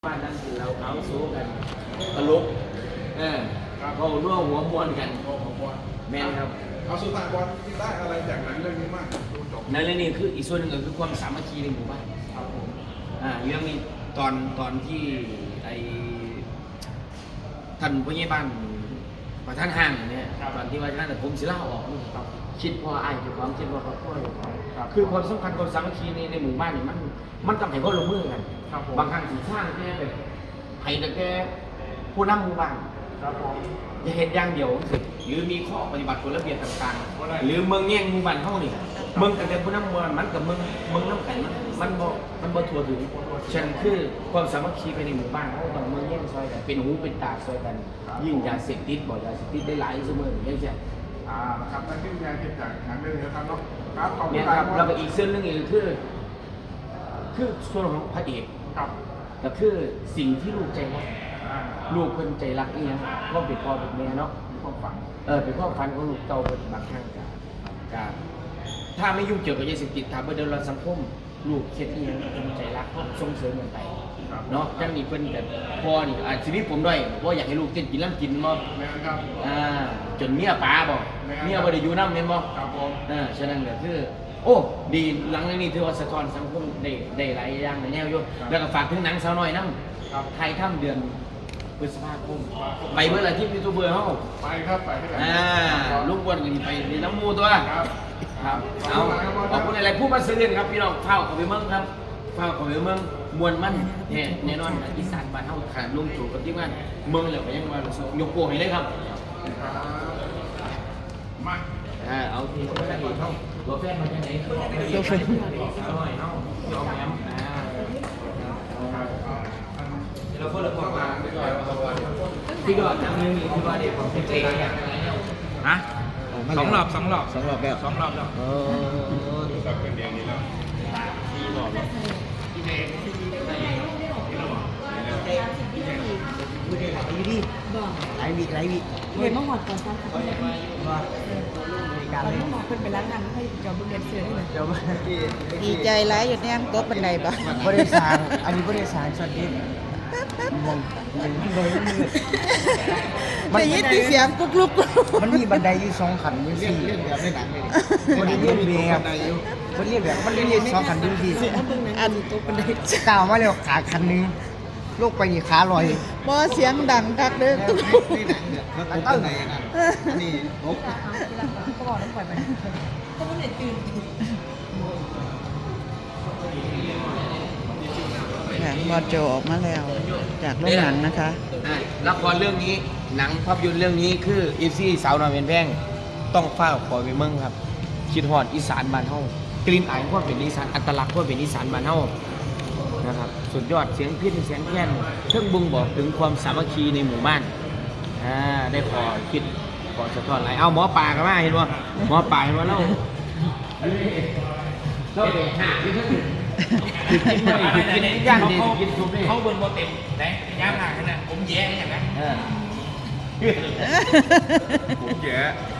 บ้านนั่งกินเราเขาสู้กันตลกเขาร่วมหัวมวนกันแม่นครับเอาสุดท้ายบอลที่ได้อะไรจากหนังเรื่องนี้มากดูจบในเรื่องนี้คืออีกส่วนหนึ่งก็คือความสามัคคีในหมู่บ้านครับผมเรื่องนี้ตอนที่ไอท่านผู้ใหญ่บ้านประธานห้างเนี่ยตอนที่ว่าท่านผมศิลาออกคิดพอไอ้เจ้าของคิดว่าเขาพ่ออยู่คือความสำคัญความสามัคคีในหมู่บ้านเนี่ยมันต้องให้เขาลงมือกันบางครั้งสิสร้างแค่แบบให้แต่แค่ผู้นำหมู่บ้านอย่าเห็นอย่างเดียวสิหรือมีข้อปฏิบัติกฎระเบียบต่างๆหรือเมืองแย่งหมู่บ้านเขานี่เมืองแต่ผู้นำหมู่บ้านมันกับเมืองน้ำกันมันบ่ทั่วถึงฉันคือความสามัคคีภายในหมู่บ้านเขาต้องเมืองแย่งซอยกันเป็นหูเป็นตาซอยกันยิ่งยาเสพติดบ่ยาเสพติดได้หลายเสมออย่างเงี้ยครับนั่นคือแนวคิดจากหนังเรื่องนี้ครับเนาะครับขอบคุณเนี่ยคครัรับบแล้วก็อีกเส้นเรื่องนึงคือส่วนของพระเอกครับก็คือสิ่งที่ลูกใจรักลูกคนใจรักนี่นะก็เป็นพ่อเป็นแม่เนาะความฝันเป็นความฝันของลูกเต่าเป็นบางครั้งกับถ้าไม่ยุ่งเกี่ยวกับยาเสพติดถ้าเดินเราสังคมลูกเช็ดนี่เป็นใจรักก็ส่งเสริมกันไปเนาะจังนี่เป็นแบบพ่อนี่ชีวิตผมด้วยว่าอยากให้ลูกเต้นกินล้ำกินบ่แม่ครับจนเมียป๋าบ่เมียบ่ได้อยู่น้ำเห็นบ่ครับผมฉะนั้นก็คือโอ้ดีหลังนี้ถือว่าสะท้อนสังคมได้หลายอย่างในแนวอยู่แล้วก็ฝากถึงหนังสาวน้อยน้ำไทยถ้ำเดือนพฤษภาคมไปเมื่อไหร่ที่ยูทูบเบอร์เขาไปครับไปที่ไหนลูกวนกันไปในน้ำมูตัวครับเอาขอบคุณอะไรผู้มาซื้อกันครับพี่น้องเฝ้าเขาไปเมืองครับเฝ้าเขาไปเมืองมวลมันแน่นอนอีสานบ้านเฮาขาดลุงจู่กับที่บ้านเมืองแล้วก็ยังมายกโป้ให้เลยครับมาเอาทีเขาไม่ได้เท่าตัวแฟนมาจากไหนตัวแฟนอร่อยเนาะเอาแหมเราเพิ่งเริ่มมาที่ก่อนน้ำเรื่องนี้ที่ว่าเด็กของเจ๊ฮะสองรอบแล้ว 2 รอบแล้วสับเป็นเดียงนี้แล้ว 4 รอบแล้วที่เด็กไม่ได้ไหลอยู่ดิไหลวิเรียนมาหอดก่อนซ้ำค่ะการตอนเล่นี้นหมอเป็นไปร้านงานให้จอบุญเรียนเสือได้เลยเดี๋ยวดีใจร้ายอยู่เนี่ยโต๊ะบันไดบ่บริษัทอันนี้บริษัทสวัสดีมองได้ยินเสียงกุ๊กลุกมันมีบันไดอยู่2 ขันอยู่4เรียนแบบในหนังเลยมันเรียนแบบมันเรียนแบบมันเรียน2 ขันอยู่4 อันโต๊ะบันไดก้าวมาแล้วขาขันนึงลูกไปนี่ขาลอยบ่เสียงดังคักเด้อกุ๊กลุกนี่หนังเนี่ยมันตั้งไหนนี่นกก็บอกน้องปล่อยไปเขาไม่ได้ตื่นบอโจออกมาแล้วจากโรงหนังนะคะละครเรื่องนี้หนังภาพยนตร์เรื่องนี้คืออีซี่สาวน้อยเป็นแพงต้องเฝ้าคอยไปเมืองครับคิดฮอดอีสานบ้านเฮากลิ่นอายความเป็นอีสานอัตลักษณ์ความเป็นอีสานบ้านเฮานะครับสุดยอดเสียงพิณเสียงแค้นเครื่องบ่งบอกถึงความสามัคคีในหมู่บ้านได้ขอคิดขอสะท้อนหลายเอาหมอปลากันมาเห็นบ่หมอปลาเห็นบ่เราเด็กห่าที่ทั้งกินไม่กินย่างดีกินซุปนี่เขาเบิ่งโมเต็มไหนย่างห่างขนาดผมแย่อย่างนั้นผมแย่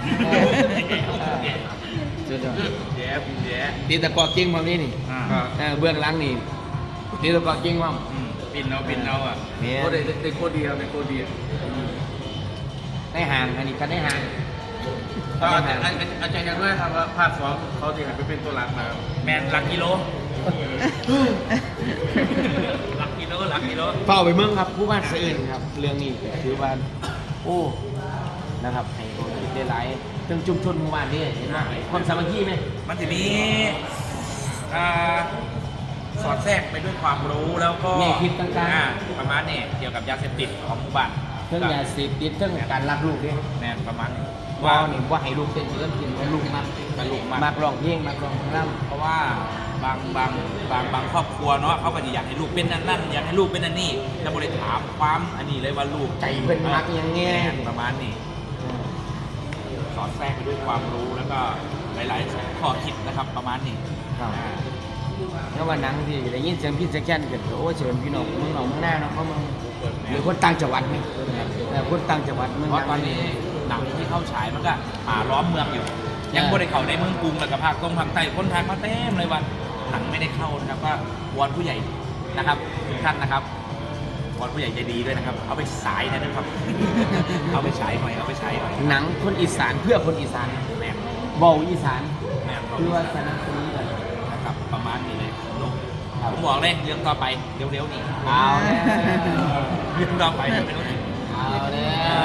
แย่ตีตะกอกิ้งความนี้นี่เบื้องหลังนี่ตีตะกอกิ้งความปินเอาอ่ะเนี่ยโคตรได้โคตรดีครับได้โคตรดีได้ห่างอันนี้กันได้ห่างอาจารย์ยังด้วยครับว่าภาค2เขาจะหันไปเป็นตัวหลักนะครับแมนหลักกิโลเฝ้าไปเมืองครับผู้บ้านสะอื่นครับเรื่องนี้ถือว่าโอ้นะครับให้คนคิดได้หลายเรื่องชุมชนหมู่บ้านนี่เห็นไหมความสามัคคีไหมมันจะมีสอดแทรกไปด้วยความรู้แล้วก็แง่คิดต่างๆประมาณนี้เกี่ยวกับยาเสพติดของหมู่บ้านเรื่องยาเสพติดเรื่องการรักลูกเนี่ยแมนประมาณนี้ว่านี่ว่าให้ลูกเต้นเรื่องกินให้ลูกมากมากร้องเพลงมากร้องรำเพราะว่าบางครอบครัวเนาะเขาก็จะอยากให้ลูกเป็นนั่นอยากให้ลูกเป็นนั่นนี่จะบริถามความอันนี้เลยว่าลูกใจเพิ่นมักอย่างเงี้ยประมาณนี้สอดแทรกไปด้วยความรู้แล้วก็หลายๆข้อคิดนะครับประมาณนี้แล้ววันนั้นที่ได้ยินเสียงพี่แจ็คแคนเกิดโอ้เชิญพี่น้องเมืองหนองเมืองหน้าเนาะเขาเมืองหรือคนต่างจังหวัดไหมคนต่างจังหวัดเมืองเพราะตอนนี้หนังที่เข้าฉายมันก็ล้อมเมืองอยู่ยังบริเขาในเมืองกรุงแล้วก็ภาคใต้คนไทยมาเต็มเลยวันหนังไม่ได้เข้านะครับก็วอนผู้ใหญ่นะครับทุกท่านนะครับอนผู้ใหญ่ใจดีด้วยนะครับ เอาไปฉายนะครับ เอาไปฉายหน่อยเอาไปฉายหน่อยหนังคนอีสานเพื่อคนอีสานแม่นเบาอีสานแม่นคือว่าสนับสนุนกันนะครับประมาณนี้เลยลูกผมบอกเลยเรื่องต่อไปเร็วๆนี้เอาแล้วเรื่องต่อไปเร็วๆนี้เอาแล้ว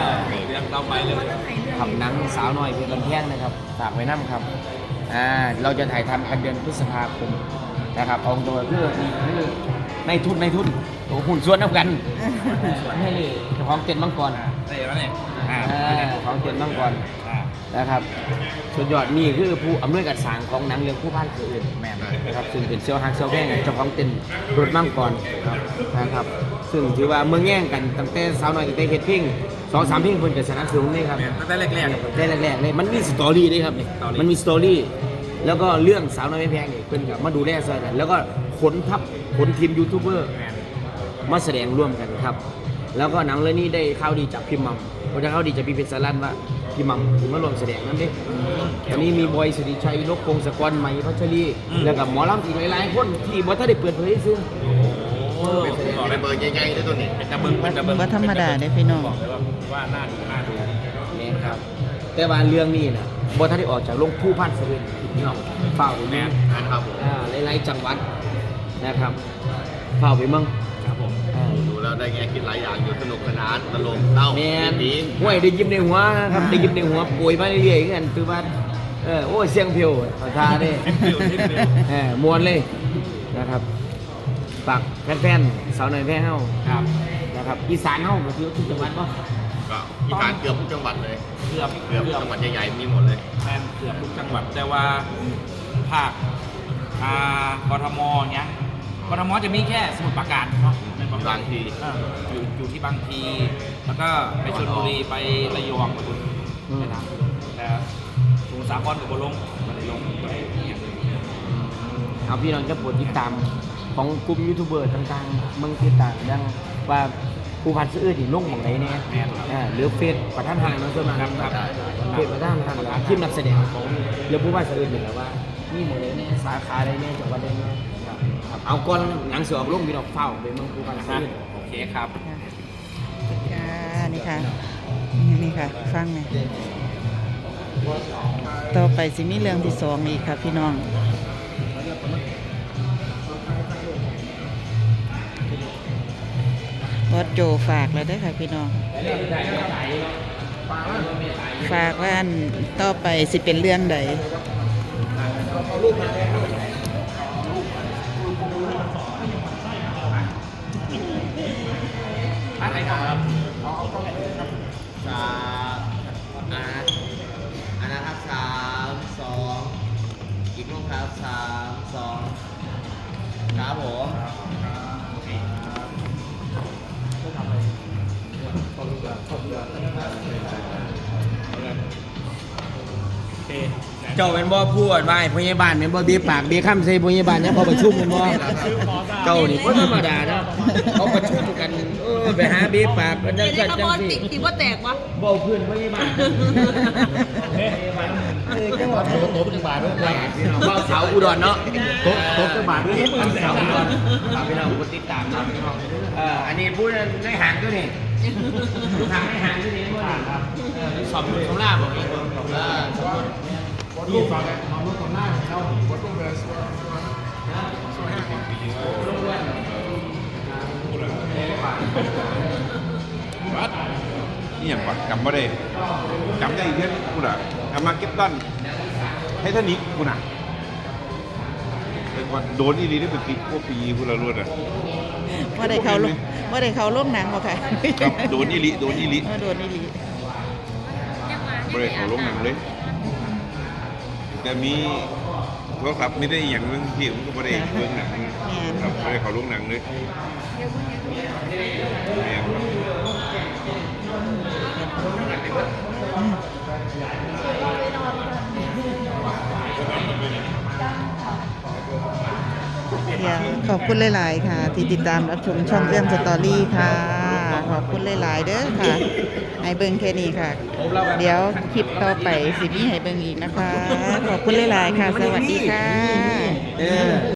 เรื่องต่อไปเร็วขับหนังสาวน้อยเพชรบันแท่งนะครับฝากไว้น้ำครับเราจะถ่ายทำกันเดือนพฤษภาคมนะครับเอาตัวเพื่อในทุนโอ้หุ่นส่วนน้ำกันให้เจ้าของเต็นท์มังกรๆได้แล้วเนี่ยของเต็นท์มังกรนะครับสุดยอดนี่คือผู้อำนวยการสร้างของหนังเรื่องผู้พันคืออื่นแม่นนะครับซึ่งเป็นเซียวฮักเซียวแย่งเจ้าของเต็นท์รถมังกรนะครับซึ่งถือว่าเมืองแย่งกันตั้งแต่สาวน้อยตั้งแต่เฮ็ดเพลง2-3เพลงเพิ่นก็สนับสนุนนี่ครับแม่นตั้งแต่แรกได้แรกๆเลยมันมีสตอรี่ด้วยครับนี่สตอรี่มันมีสตอรี่แล้วก็เรื่องสาวน้อยไม่แพงนี่เพิ่นก็มาดูแลซอยกัน แล้วก็ขนทีมยูทูบเบอร์แม่นมาแสดงร่วมกันครับ แล้วก็หนังเรื่องนี้ได้ข่าวดีจากพี่มัมผมจะข่าวดีจากพี่เพชรสารันว่าพี่มัมถึงมาร่วมแสดงนั่นเด้ตอนนี้มีบอยสิริชัยนกพงศกรใหม่พัชรีแล้วก็หมอลำอีกหลายๆคนที่บ่ทันได้เปิดเผยซึ่งโอ้บอกเลยเบอร์ใหญ่ๆด้วยตัวนี้เป็นตะเบิงเป็นตะเบิงบ่ธรรมดาเด้พี่น้องบอกเลยว่าน่าดูนี่ครับแต่ว่าเรื่องนี้นะบ่ทันได้ออกจากโรงผู้พันเสวีพี่น้องเฝ้าไปแม่แม่นครับผมหลายๆจังหวัดนะครับเฝ้าไปเมืองครับผมดูแล้วได้แง่คิดหลายอย่างอยู่สนุกสนานตลกเต้าแม่นดีห้วยได้ยิ้มในหัวนะครับได้ยิ้มในหัวป่วยมาเรื่อยๆกันคือว่าโอ้ยเสียงเพียวเอาท่าเด้มวนเลยนะครับฝากแฟนๆสาวน้อยแพ้เฮาครับนะครับอีสานเฮาก็คือทุกจังหวัดบ่ก็อีสานเกือบทุกจังหวัดเลยเกือบเกือบจังหวัดใหญ่ๆมีหมดเลยแม่นเกือบทุกจังหวัดแต่ว่าภาคกทมเนี้ยกทมจะมีแค่สมุทรปราการเนาะในบางทีอยู่ที่บางทีแล้วก็ไปชลบุรีไประยองไปบุญไปทำแต่สมุทรสาครกับบลงมาได้ลงไปเนี่ยเอาพี่น้องจะโปรดติดตามของกลุ่มยูทูบเบอร์ต่างๆเมืองติดตามอย่างว่าผู้พันซื้อที่ลงหม่องไหนเนี่ยหรือเฟซประธานห้างเนาะส่วนมากครับเฟซประธานห้างทีมนักแสดงของเรื่องผู้พันซื้อนี่แหละว่ามีหม่องไหนเนี่ยสาขาใดเนี่ยจังหวัดใดเนี่ยครับเอาก่อนหนังเสือออกลงพี่น้องเฝ้าไปเมืองผู้พันซื้อโอเคครับค่ะนี่ค่ะนี่ค่ะฟังไหมต่อไปสิมีเรื่องที่2อีกค่ะพี่น้องบอสโจฝากแล้วได้อค่ะพี่น้องฝากว่าอันต่อไปสิเป็นเรื่องใดอันนะครับ3-2อีกรูปครับ3-2ครับผมเจ้าเป็นบ่พูดว่าพยาบาลเป็นบ่เบี้ยปากเบี้ยข้ามใส่พยาบาลเนี่ยพอประชุมเป็นบ่เจ้านี่บ่ธรรมดานะเขาประชุมกันไปหาเบี้ยปากกันจังเดี๋ยวซั่นนี้จัขงบวนซี่ติดว่าแตกวะบ่เพื่อนพยาบาลจังหวัดโตจังหวัดด้วยบ่เสาอุดรเนาะโตจังหวัดด้วยเสาอุดรพี่น้องกดติดตามนะพี่น้องอันนี้พูดในหางตัวนี้ลูกหางในหางตัวนี้บ่นี่ครับสอบสมราบ่อีกนี่ฟังกันของรถของหน้าเราบ่ต้องเบสวัดนี่อย่างวะจำไม่ได้จำได้อีกแค่กูน่ะอามาเก็ตตันไททานิกกูน่ะแต่ว่าโดนอีรีได้เป็นปีพวกปีกูละรวดอ่ะว่าได้เขาลงหนังบ่ค่ะครับโดนอีรีโดนอีรีโดนอีหลีไม่ได้เขาลงหนังเลย แต่มีโทรศัพท์ไม่ได้อย่างนึงพี่ผมก็ไม่ได้เบิ่งหนังครับไม่ได้เขาลงหนังเลยแม่ครับเดี๋ยวขอบคุณหลาย ๆ ค่ะ ที่ติดตามรับชมช่องเรื่องสตอรี่ค่ะ ขอบคุณหลาย ๆ เด้อค่ะให้เบิ่งแค่นี้ค่ะ เดี๋ยวคลิปต่อไปสิมีให้เบิ่งอีกนะคะ ขอบคุณหลาย ๆ ค่ะ สวัสดีค่ะ